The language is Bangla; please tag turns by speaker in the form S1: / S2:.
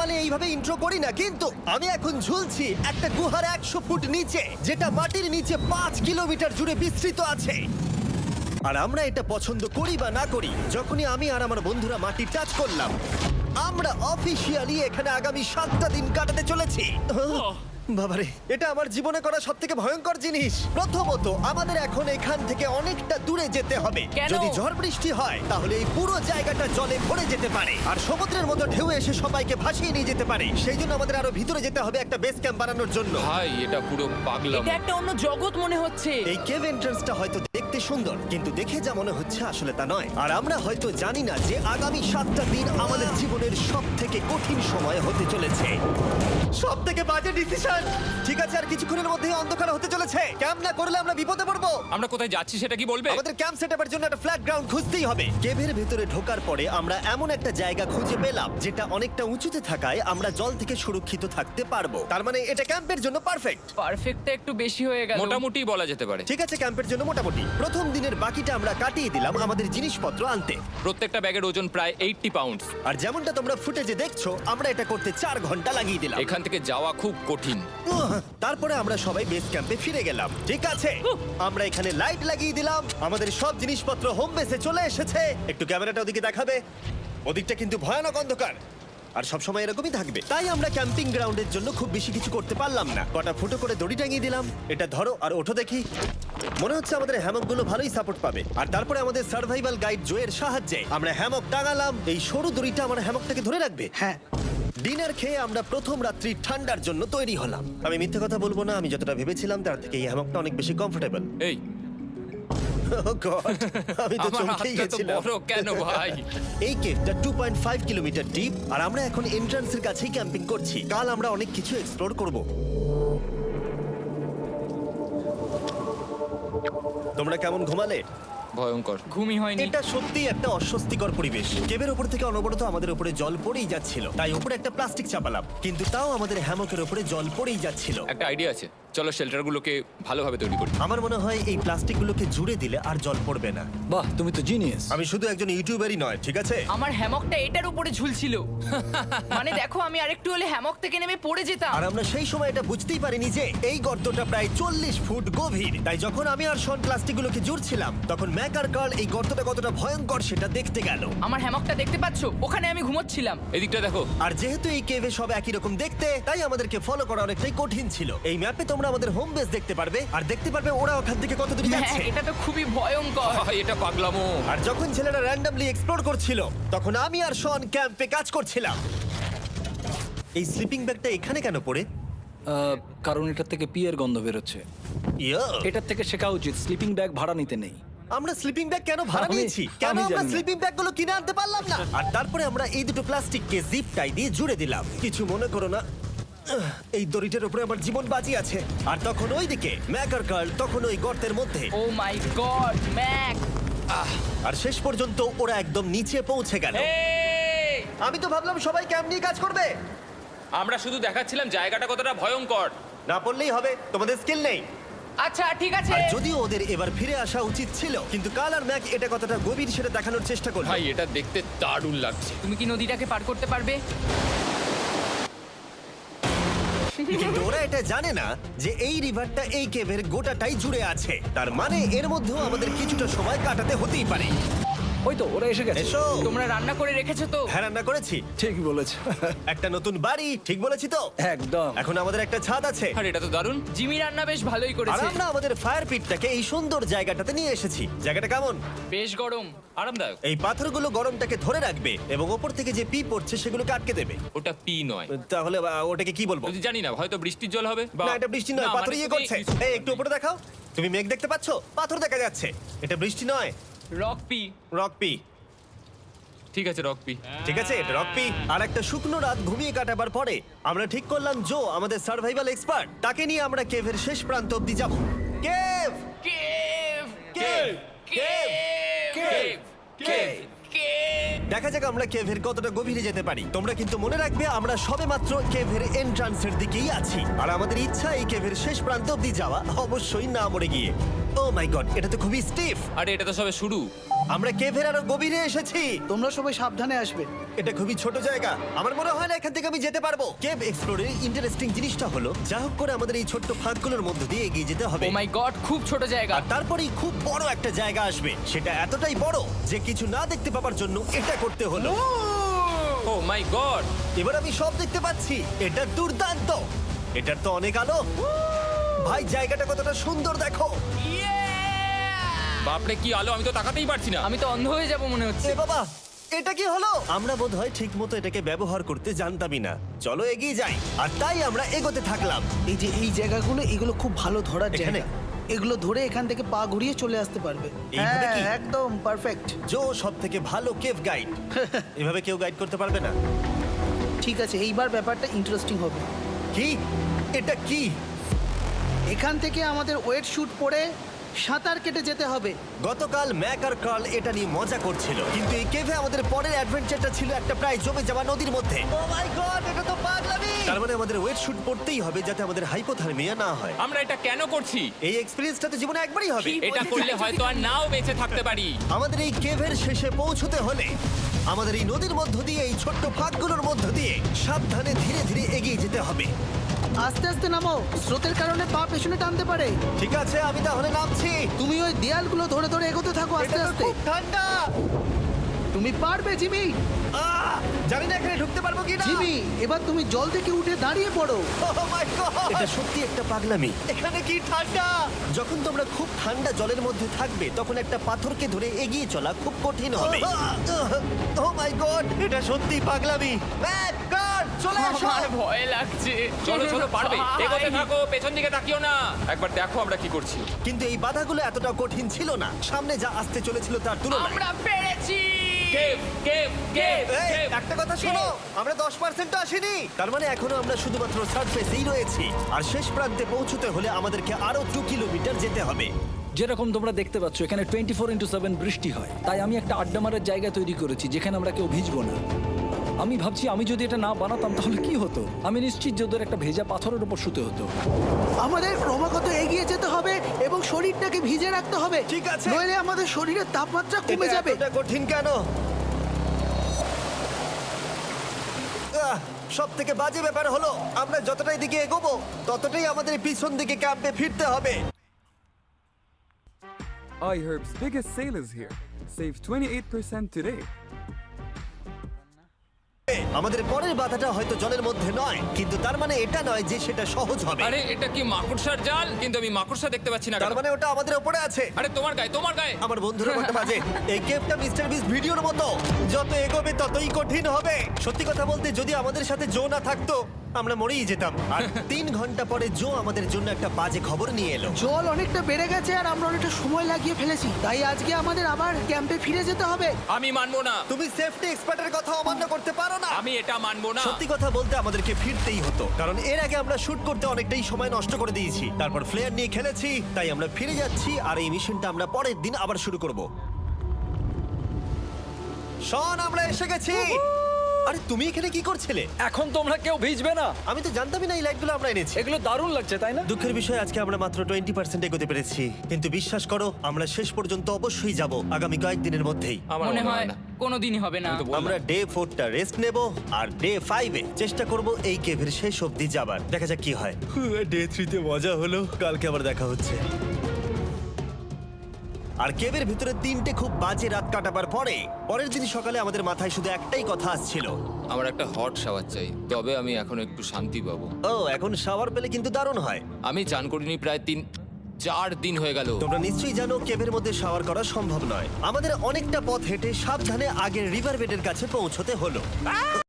S1: নর্মালি এইভাবে ইন্ট্রো করি না, কিন্তু আমি এখন ঝুলছি একটা গুহার 100 ফুট নিচে, যেটা মাটির নিচে 5 কিলোমিটার জুড়ে বিস্তৃত আছে। আর আমরা এটা পছন্দ করি বা না করি, যখনই আমি আর আমার বন্ধুরা মাটি টাচ করলাম, আমরা অফিসিয়ালি এখানে আগামী 7টা দিন কাটাতে চলেছি। বাবারে, এটা আমার জীবনে করা সবথেকে ভয়ঙ্কর জিনিস। প্রথমত, আমাদের এখন এখান থেকে অনেকটা দূরে যেতে হবে।
S2: কেন?
S1: যদি ঝড় বৃষ্টি হয় তাহলে এই পুরো জায়গাটা জলে ভরে যেতে পারে, আর সমুদ্রের মতো ঢেউ এসে সবাইকে ভাসিয়ে নিয়ে যেতে পারে। সেই জন্য আমাদের আরো ভিতরে যেতে হবে একটা বেস ক্যাম্প বানানোর জন্য।
S3: ভাই এটা পুরো পাগলাম।
S2: এটা একটা অন্য জগৎ মনে হচ্ছে।
S1: এই কেভ এন্ট্রান্সটা হয়তো দেখতে সুন্দর, কিন্তু দেখে যা মনে হচ্ছে আসলে তা নয়। আর আমরা হয়তো জানি না যে আগামী 7টা দিন আমাদের জীবনের সব থেকে কঠিন সময় হতে চলেছে। সব থেকে বাজে ডিসিশন। ঠিক আছে, আর কিছুক্ষণের মধ্যেই অন্ধকার হতে চলেছে। ক্যাম্প না করলে আমরা বিপদে পড়বো।
S3: আমরা কোথায় যাচ্ছি সেটা কি বলবে?
S1: আমাদের ক্যাম্প সেটআপের জন্য একটা ফ্ল্যাট গ্রাউন্ড খুঁজতেই হবে। কেভের ভেতরে ঢোকার পরে আমরা এমন একটা জায়গা খুঁজে পেলাম যেটা অনেকটা উঁচুতে থাকায় আমরা জল থেকে সুরক্ষিত থাকতে পারবো। তার মানে এটা ক্যাম্পের জন্য পারফেক্ট।
S2: পারফেক্টটা একটু বেশি হয়ে গেল।
S3: মোটামুটি বলা যেতে পারে।
S1: ঠিক আছে, ক্যাম্পের জন্য মোটামুটি। প্রথম দিনের বাকিটা আমরা কাটিয়ে দিলাম আমাদের জিনিসপত্র আনতে।
S3: প্রত্যেকটা ব্যাগের ওজন প্রায় 80 পাউন্ড।
S1: আর যেমনটা তোমরা ফুটেজে দেখছো, আমরা এটা করতে 4 ঘন্টা লাগিয়ে দিলাম।
S3: এখান থেকে যাওয়া খুব কঠিন।
S1: তারপরে আমরা সবাই বেস ক্যাম্পে ফিরে গেলাম। ঠিক আছে, আমরা এখানে লাইট লাগিয়ে দিলাম। আমাদের সব জিনিসপত্র হোম বেসে চলে এসেছে। একটু ক্যামেরাটা ওদিকে দেখাবে? ওদিকটা কিন্তু ভয়ানক অন্ধকার, আর সবসময় এরকমই থাকবে। তাই আমরা ক্যাম্পিং গ্রাউন্ডের জন্য খুব বেশি কিছু করতে পারলাম না। কটা ফুটো করে দড়ি টাঙিয়ে দিলাম। এটা ধরো আর ওঠো দেখি। মনে হচ্ছে আমাদের হ্যামকগুলো ভালোই সাপোর্ট পাবে। আর তারপরে আমাদের সার্ভাইভাল গাইড জোয়ের সাহায্যে আমরা হ্যামক টাঙালাম। এই সরু দড়িটা আমার হ্যামকটাকে ধরে রাখবে।
S4: হ্যাঁ,
S1: ডিনার খেয়ে আমরা প্রথম রাত্রি ঠান্ডার জন্য তৈরি হলাম। আমি মিথ্যে কথা বলবো না, আমি যতটা ভেবেছিলাম তার থেকে এই হ্যামকটা অনেক বেশি কমফোর্টেবল।
S3: এই
S1: আমি তো
S3: আমার
S1: চমকেই
S3: হাতটা তো
S1: গেছিলাম।
S3: বড় কেন ভাই?
S1: এই কেভটা 2.5 কিলোমিটার ডিপ, আর আমরা এখন এন্ট্রান্সের কাছেই ক্যাম্পিং করছি। কাল আমরা অনেক কিছু এক্সপ্লোর করব। তোমরা কেমন ঘুমালে?
S3: ভয়ঙ্কর।
S2: ঘুমই হয়নি।
S1: এটা সত্যি একটা অস্বস্তিকর পরিবেশ। কেবের উপর থেকে অনবরত আমাদের উপরে জল পড়েই যাচ্ছিল, তাই উপরে একটা প্লাস্টিক চাপালাম, কিন্তু তাও আমাদের হ্যামকের উপরে জল পড়েই যাচ্ছিল।
S3: একটা আইডিয়া আছে, চলো শেল্টারগুলোকে ভালোভাবে তৈরি করি।
S1: আমার মনে হয় এই প্লাস্টিকগুলোকে জুড়ে দিলে আর জল পড়বে না।
S4: বাহ, তুমি তো জিনিয়াস।
S1: আমি শুধু একজন ইউটিউবারই নয়, ঠিক আছে?
S2: আমার হ্যামকটা এটার উপরে ঝুলছিল। মানে দেখো, আমি আরেকটু হলে হ্যামক থেকে নেমে পড়ে যেতাম।
S1: আর আমরা সেই সময় এটা বুঝতেই পারিনি যে এই গর্তটা প্রায় 40 ফুট গভীর। তাই যখন আমি আর শন প্লাস্টিকগুলোকে জুড়ছিলাম, তখন ম্যাক আর কার্ল এই গর্তটা কতটা ভয়ঙ্কর সেটা দেখতে গেল।
S2: আমার হ্যামকটা দেখতে পাচ্ছো? ওখানে আমি ঘুমোচ্ছিলাম।
S3: এদিকটা দেখো।
S1: আর যেহেতু এই কেভে সব একই রকম দেখতে, তাই আমাদেরকে ফলো করা অনেকটাই কঠিন ছিল। এই ম্যাপে তোমরা আমাদের হোম বেস দেখতে পারবে, আর দেখতে পারবে ওরা ওখান থেকে কত দূর
S2: হ্যাঁ,
S1: যাচ্ছে।
S2: এটা তো খুবই ভয়ঙ্কর।
S3: ভাই এটা পাগলামো।
S1: আর যখন ছেলেরা র্যান্ডমলি এক্সপ্লোর করছিল, তখন আমি আর শন ক্যাম্পে কাজ করছিলাম। এই স্লিপিং ব্যাগটা এখানে কেন পড়ে?
S4: কারণ এটার থেকে পিয়ের গন্ধ বেরোচ্ছে।
S1: ইয়া,
S4: এটার থেকে শেখা উচিত স্লিপিং ব্যাগ ভাড়া নিতে নেই।
S1: আমরা স্লিপিং ব্যাগ কেন ভাড়া
S4: আমি-
S1: নিয়েছি? কেন
S4: আমি
S1: আমরা
S4: জানি না।
S1: স্লিপিং ব্যাগগুলো কিনে আনতে পারলাম না? আর তারপরে আমরা এই দুটো প্লাস্টিককে জিপ টাই দিয়ে জুড়ে দিলাম। কিছু মনে করো না, এই দড়িটার উপরে আমার জীবন বাজি আছে। আর তখন ওইদিকে ম্যাক আর কার্ল তখন ওই গর্তের মধ্যে।
S2: ও মাই গড, ম্যাক!
S1: আর শেষ পর্যন্ত ওরা একদম নিচে পৌঁছে গেল।
S3: এই!
S1: আমি তো ভাবলাম সবাই ক্যাম্প নিয়ে কাজ করবে।
S3: আমরা শুধু দেখাচ্ছিলাম জায়গাটা কতটা ভয়ঙ্কর।
S1: না পড়লেই হবে, তোমাদের স্কিল নেই।
S2: আচ্ছা ঠিক আছে।
S1: আর যদিও ওদের এবার ফিরে আসা উচিত ছিল, কিন্তু কাল আর ম্যাক এটা কতটা গভীর সেটা দেখানোর চেষ্টা করলো।
S3: ভাই এটা দেখতে দারুণ লাগছে।
S2: তুমি কি নদীটাকে পার করতে পারবে?
S1: কিন্তু ওরা এটা জানে না যে এই রিভারটা এই কেভের গোটাটাই জুড়ে আছে। তার মানে এর মধ্যেও আমাদের কিছুটা সময় কাটাতে হতেই পারে।
S4: ওই তো ওরা এসে গেছে।
S1: এসো।
S2: তোমরা রান্না করে রেখেছো তো?
S1: হ্যাঁ, রান্না করেছি।
S4: ঠিক বলেছ।
S1: একটা নতুন বাড়ি, ঠিক বলেছি তো?
S4: একদম।
S1: এখন আমাদের একটা ছাদ আছে।
S3: আর এটা তো দারুণ।
S2: জিমি রান্না বেশ ভালোই
S1: আর
S2: করেছে।
S1: আমরা আমাদের ফায়ার পিটটাকে এই সুন্দর জায়গাটাতে নিয়ে এসেছি। জায়গাটা কেমন?
S2: বেশ গরম।
S3: আরামদায়ক।
S1: এই পাথরগুলো গরমটাকে ধরে রাখবে এবং ওপর থেকে যে পি পড়ছে সেগুলোকে আটকে দেবে।
S3: ওটা পি নয়।
S1: তাহলে ওটাকে কি বলবো?
S3: যদি জানি না, হয়তো বৃষ্টির জল হবে বা
S1: না, এটা বৃষ্টি নয়,
S3: না,
S1: পাথর
S3: মানে
S1: ইয়ে
S3: তুমি
S1: করছে। এই একটু উপরে দেখাও। তুমি মেঘ দেখতে পাচ্ছো? পাথর দেখা যাচ্ছে। এটা বৃষ্টি নয়,
S2: রক পি।
S1: Rock P.
S3: ঠিক আছে, রক পি।
S1: ঠিক আছে, এটা রক পি। আর একটা শুকনো রাত ঘুমিয়ে কাটাবার পরে আমরা ঠিক করলাম জো আমাদের সার্ভাইভাল এক্সপার্ট, তাকে নিয়ে আমরা কেভের শেষ প্রান্ত অব্দি যাব। Cave,
S2: cave!
S1: Cave, cave,
S2: cave!
S1: Cave.
S2: Cave!
S1: দেখা যাক আমরা কেভের কতটা গভীরে যেতে পারি। তোমরা কিন্তু মনে রাখবে আমরা সবেমাত্র কেভের এন্ট্রান্সের দিকেই আছি, আর আমাদের ইচ্ছা এই কেভের শেষ প্রান্ত অব্দি যাওয়া, অবশ্যই না মরে গিয়ে। ও মাই গড, এটা তো খুবই স্টিফ।
S3: আরে এটা তো সবে শুরু।
S1: আমরা কেভের আরো গভীরে এসেছি।
S5: তোমরা সবাই সাবধানে আসবে।
S1: এটা খুবই ছোট জায়গা, আমার মনে হয় না এখান থেকে আমি যেতে পারবো। কেভ এক্সপ্লোরের ইন্টারেস্টিং জিনিসটা হলো যা হোক করে আমাদের এই ছোট্ট ফাঁকগুলোর মধ্য দিয়ে এগিয়ে যেতে হবে।
S2: ও মাই গড, খুব ছোট জায়গা।
S1: আর তারপরেই খুব বড় একটা জায়গা আসবে, সেটা এতটাই বড় যে কিছু না দেখতে পাওয়ার জন্য এটা করতে হলো।
S3: Oh my god!
S1: এবার আমি সব দেখতে পাচ্ছি, এটা দুর্দান্ত। এটার তো অনেক আলো। ভাই জায়গাটা কতটা সুন্দর দেখো।
S3: বাপরে কি আলো, আমি তো তাকাতেই পারছি না।
S2: আমি তো অন্ধ হয়ে যাব মনে হচ্ছে।
S1: এ বাবা, এটা কি হলো? আমরা বোধহয় ঠিক মতো এটাকে ব্যবহার করতে জানতামই না। চলো এগিয়ে যাই। আর তাই আমরা এগোতে থাকলাম।
S5: এই যে এই জায়গাগুলো এগুলো খুব ভালো ধরার
S1: এখানে?
S5: জায়গা। এগুলো ধরে এখান থেকে পা ঘুরিয়ে চলে আসতে পারবে।
S1: এইভাবে কি?
S5: একদম পারফেক্ট।
S1: জো সব থেকে ভালো কেভ গাইড। এভাবে কেউ গাইড করতে পারবে না।
S5: ঠিক আছে, এইবার ব্যাপারটা ইন্টারেস্টিং হবে।
S1: কি? এটা কি?
S5: এখান থেকে আমাদের ওয়েট শুট পরে সাঁতার কেটে যেতে হবে।
S1: গতকাল ম্যাক আর কার্ল এটা নিয়ে মজা করছিল, কিন্তু এই কেভে আমাদের পরের অ্যাডভেঞ্চারটা ছিল একটা প্রায় জমে যাওয়া নদীর মধ্যে। ও মাই গড, এটা তো পাগলামি! তার মানে আমাদের ওয়েট শুট পড়তেই হবে যাতে আমাদের হাইপোথার্মিয়া না হয়।
S3: আমরা এটা কেন করছি?
S1: এই এক্সপেরিয়েন্সটা তো জীবনে একবারই হবে।
S3: এটা করলে হয়তো আর নাও বেঁচে থাকতে পারি।
S1: আমাদের এই কেভের শেষে পৌঁছতে হলে আমাদের এই নদীর মধ্য দিয়ে, এই ছোট্ট ফাঁকগুলোর মধ্য দিয়ে সাবধানে ধীরে ধীরে এগিয়ে যেতে হবে।
S5: আস্তে আস্তে নামো, স্রোতের কারণে পা পেছনে টানতে পারে।
S1: ঠিক আছে, আমি তাহলে নামছি।
S5: তুমি ওই দেয়ালগুলো ধরে ধরে এগোতে থাকো আস্তে
S1: এটা তো
S5: আস্তে।
S1: খুব ঠান্ডা।
S5: তুমি পারবে জিমি।
S1: জানি না এখানে ঢুকতে পারবো কি না।
S5: জিমি, এবার তুমি জল থেকে উঠে দাঁড়িয়ে পড়ো।
S1: এটা সত্যি একটা পাগলামি। এখানে কি ঠান্ডা! যখন তোমরা খুব ঠান্ডা জলের মধ্যে থাকবে তখন একটা পাথরকে ধরে এগিয়ে চলা খুব কঠিন হবে। ও মাই গড, এটা সত্যি পাগলামি। ম্যাক, গার্ড, চলে আসো।
S2: আমার ভয় লাগছে।
S3: চলো চলো, পারবে।
S2: ভাই।
S3: এগোতে থাকো, পেছন দিকে তাকিও না। একবার দেখো আমরা কি করছি।
S1: কিন্তু এই বাধাগুলো এতটা কঠিন ছিল না সামনে যা আসতে চলেছিল তার তুলনায়।
S2: আমরা পেরেছি।
S3: কেভ কেভ কেভ
S1: এই,
S3: কেভ।
S1: একটা কথা শোনো, আমরা 10% আসিনি। তার মানে এখনো আমরা শুধুমাত্র সার্ফেসেই রয়েছি, আর শেষ প্রান্তে পৌঁছতে হলে আমাদেরকে আরো 2 কিলোমিটার যেতে হবে।
S4: যেরকম তোমরা দেখতে পাচ্ছ এখানে 24x7 বৃষ্টি হয়, তাই আমি একটা আড্ডা মারার জায়গা তৈরি করেছি যেখানে আমরা কেউ ভিজবো না। আমি ভাবছি আমি যদি এটা না বানাতাম তাহলে কি হতো। আমি নিশ্চিত যে ওদের একটা ভেজা পাথরের উপর শুতে হতো।
S5: আমাদের ক্রমাগত এগিয়ে যেতে হবে এবং শরীরটাকে ভিজে রাখতে হবে।
S1: ঠিক আছে।
S5: নইলে আমাদের শরীরের তাপমাত্রা কমে
S1: এটা
S5: যাবে।
S1: এতটা কঠিন কেন? সব থেকে বাজে ব্যাপার হলো আমরা যতটাই দিকে এগোবো ততটাই আমাদের পিছন দিকে ক্যাম্পে ফিরতে হবে।
S6: iHerb's biggest sale is here. Save 28% today.
S1: আমাদের পরের বাধাটা হয়তো জলের মধ্যে নয়, কিন্তু তার মানে এটা নয় যে সেটা সহজ হবে।
S3: আরে এটা কি মাকড়সার জাল? কিন্তু আমি মাকড়সা দেখতে পাচ্ছি না।
S1: তার
S3: কেন?
S1: মানে ওটা আমাদের উপরে আছে।
S3: আরে তোমার গায়ে, তোমার গায়ে।
S1: আমার বন্ধুরা বলতে বাজে, এই গেমটা মিস্টার বিস্ট ভিডিওর মতো, যত এগোবে ততই কঠিন হবে। সত্যি কথা বলতে যদি আমাদের সাথে জো না থাকতো আমরা মরেই যেতাম। আর 3 ঘন্টা পরে জো আমাদের জন্য একটা বাজে খবর নিয়ে এলো।
S5: জল অনেকটা বেড়ে গেছে আর আমরা অনেকটা সময় লাগিয়ে ফেলেছি, তাই আজকে আমাদের আবার ক্যাম্পে ফিরে যেতে হবে।
S3: আমি মানবো না।
S1: তুমি সেফটি এক্সপার্টের কথা অমান্য করতে পারো না।
S3: আমি এটা মানবো না।
S1: সত্যি কথা বলতে আমাদেরকে ফিরতেই হতো, কারণ এর আগে আমরা শুট করতে অনেকটাই সময় নষ্ট করে দিয়েছি। তারপর ফ্লেয়ার নিয়ে খেলেছি, তাই আমরা ফিরে যাচ্ছি আর এই মিশনটা আমরা পরের দিন আবার শুরু করব। শন, আমরা এসে গেছি। আরে তুমি এখানে কি করছিলে?
S4: এখন তোমরা কেউ ভিজবে না।
S1: আমি তো জানতামই না এই লাইটগুলো আমরা এনেছি।
S4: এগুলো দারুণ লাগছে তাই না?
S1: দুঃখের বিষয় আজকে আমরা মাত্র 20% এগোতে পেরেছি, কিন্তু বিশ্বাস করো আমরা শেষ পর্যন্ত অবশ্যই যাব আগামী কয়েকদিনের মধ্যেই।
S3: আমার
S2: মনে হয় কোনোদিনই হবে না।
S3: আমি তো বললাম।
S1: আমরা ডে 4টা রেস্ট নেব আর ডে 5-এ চেষ্টা করব এই কেভের শেষ অবধি যাবার। দেখা যাক কি হয়। ডে 3-তে মজা হলো, কালকে আবার দেখা হচ্ছে। আর কেভের ভিতরে 3টে খুব বাজে রাত কাটাবার পরে পরের দিন সকালে আমাদের মাথায় শুধু একটাই কথা আসছিল।
S3: আমার একটা হট শাওয়ার চাই, তবে আমি এখন একটু শান্তি পাবো।
S1: ও, এখন শাওয়ার পেলে কিন্তু দারুণ হয়।
S3: আমি চান করিনি প্রায় 3-4 দিন হয়ে গেল।
S1: তোমরা নিশ্চয়ই জানো কেভের মধ্যে শাওয়ার করা সম্ভব নয়। আমাদের অনেকটা পথ হেঁটে সাবধানে আগের রিভার বেডের কাছে পৌঁছতে হলো।